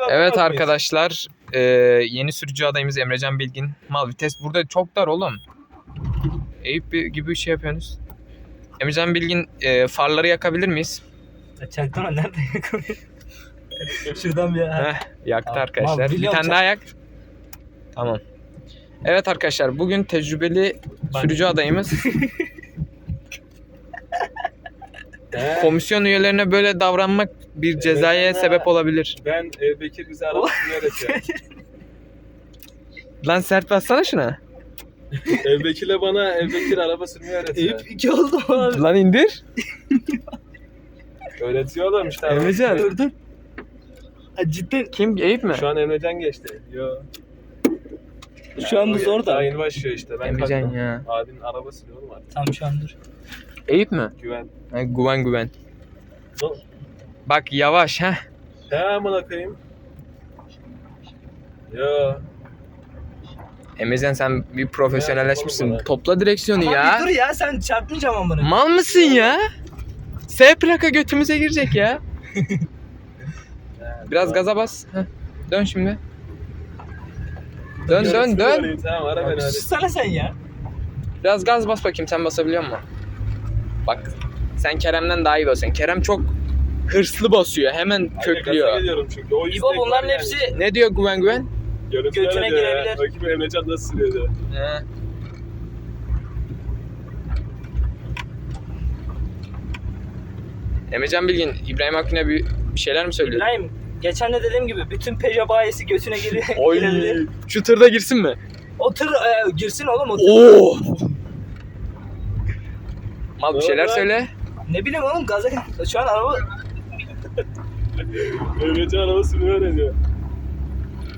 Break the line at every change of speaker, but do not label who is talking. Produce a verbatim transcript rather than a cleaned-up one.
Evet arkadaşlar, e, yeni sürücü adayımız Emrecan Bilgin. Mal vites burada çok dar oğlum. Eyüp gibi bir şey yapıyorsunuz. Emrecan Bilgin, e, farları yakabilir miyiz?
Çaktırma, nerede yakalıyor? Şuradan bir...
Heh, yaktı
Tamam,
arkadaşlar. Bir
biliyorum,
tane daha yak. Tamam. Evet arkadaşlar, bugün tecrübeli sürücü adayımız. Komisyon üyelerine böyle davranmak bir cezaya
Evet,
sebep olabilir.
Ben e, Bekir bize arabasını öğretiyor.
Lan sert bassana şuna.
Ev Bekir'le bana Ev Bekir araba sürmeyi öğretiyor.
Eyüp iki oldu abi.
Lan indir.
Öğretiyorlar işte. araba
Emrecan.
sürmeyi.
Dur dur. Ha, cidden
Kim? Eyüp mi?
Şu an Emrecan geçti. Yo.
şu an bu zor da.
Daha yeni başlıyor işte. Ben
Emrecan
kalktım.
ya.
Abinin araba sürüyor oğlum artık.
Tam şu an dur.
Eyüp mi?
Güven.
Ha, güven güven.
Dur.
Bak yavaş ha.
He amına koyayım. Yo.
Emrecan sen bir profesyonelleşmişsin.
Ya,
Topla direksiyonu
Aman
ya.
bir dur ya, sen çarpmayacağım amına.
Mal mısın ya? S plaka götümüze girecek ya. Biraz gaza bas. Heh. Dön şimdi. Dön dön dön.
Tamam ara beni hadi.
Sussana sen ya.
Biraz gaz bas bakayım, sen basabiliyor musun? Bak sen Kerem'den daha iyi basıyorsun. Kerem çok hırslı basıyor. Hemen
Gaza
köklüyor.
geliyorum çünkü. O
İbo
istek
bunların
var
hepsi
yani.
Ne diyor güven güven?
Görüntüler
götüne
diyor ya.
girebilir.
Bakayım Emrecan nasıl sürüyordu.
He. Emrecan Bilgin, İbrahim Akgün'e bir bir şeyler mi söylüyor?
İbrahim, geçen de dediğim gibi bütün Peugeot bayisi götüne giriyor.
Oy.
girebilir.
Şu tırda girsin mi?
O tır e, girsin oğlum o tır.
Oo. Mal bir
Ne
şeyler
oldu lan?
söyle.
Ne bileyim oğlum, gaza şu an araba
Emrecan araba sürmeyi öğreniyor.